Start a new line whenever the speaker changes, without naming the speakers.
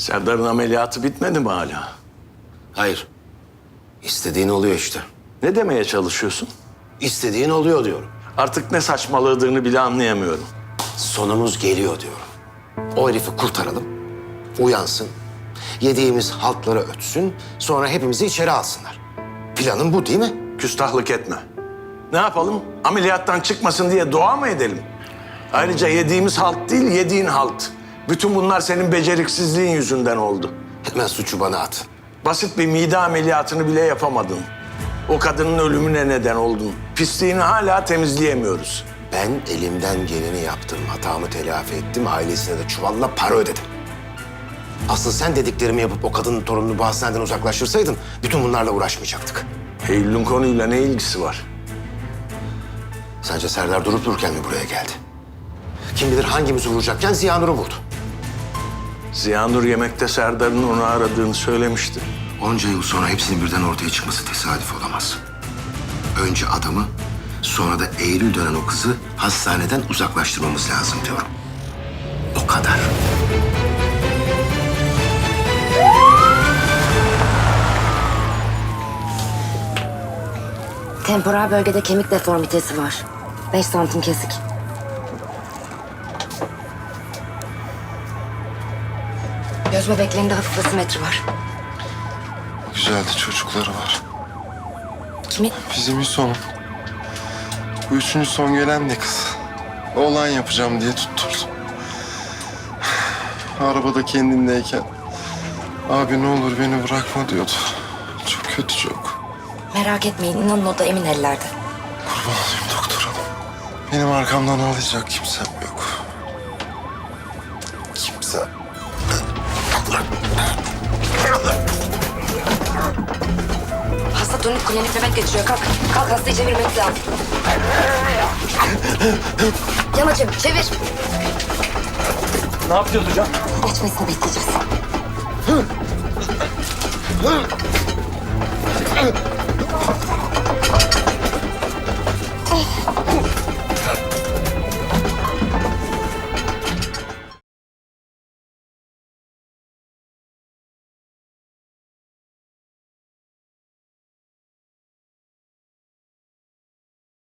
Serdar'ın ameliyatı bitmedi mi hala?
Hayır. İstediğin oluyor işte.
Ne demeye çalışıyorsun?
İstediğin oluyor diyorum.
Artık ne saçmaladığını bile anlayamıyorum.
Sonumuz geliyor diyorum. O herifi kurtaralım. Uyansın. Yediğimiz haltları ötsün. Sonra hepimizi içeri alsınlar. Planın bu değil mi?
Küstahlık etme. Ne yapalım? Ameliyattan çıkmasın diye dua mı edelim? Ayrıca yediğimiz halt değil, yediğin halt. Bütün bunlar senin beceriksizliğin yüzünden oldu.
Hemen suçu bana at.
Basit bir mide ameliyatını bile yapamadın. O kadının ölümüne neden oldun. Pisliğini hala temizleyemiyoruz.
Ben elimden geleni yaptım. Hatamı telafi ettim. Ailesine de çuvalla para ödedim. Asıl sen dediklerimi yapıp o kadının torununu bu hastaneden uzaklaştırsaydın bütün bunlarla uğraşmayacaktık.
Eylül'ün konuyla ne ilgisi var?
Sence Serdar durup dururken mi buraya geldi? Kim bilir hangimizi vuracakken Ziyanur'u vurdu.
Ziyanur yemekte Serdar'ın onu aradığını söylemişti.
Onca yıl sonra hepsinin birden ortaya çıkması tesadüf olamaz. Önce adamı, sonra da Eylül dönen o kızı hastaneden uzaklaştırmamız lazım diyorum. O kadar.
Temporal bölgede kemik deformitesi var. 5 santim kesik. Göz bebeklerinde hafif asimetri var.
Güzeldi, çocukları var.
Kimin?
Bizim Hüsnü'nün. Bu üçüncü son gelen de kız. Oğlan yapacağım diye tutturdum. Arabada kendimdeyken abi ne olur beni bırakma diyordu. Çok kötü çok.
Merak etmeyin, inanın o da emin ellerde.
Kurban olayım doktor hanım. Benim arkamdan ağlayacak kimsem yok. Kimse.
Hasta tonik klinik nöbet geçiriyor. Kalk, kalk hastayı çevirmemiz lazım. Yamacım, çevir.
Ne yapacağız hocam?
Geçmesini bekleyeceğiz.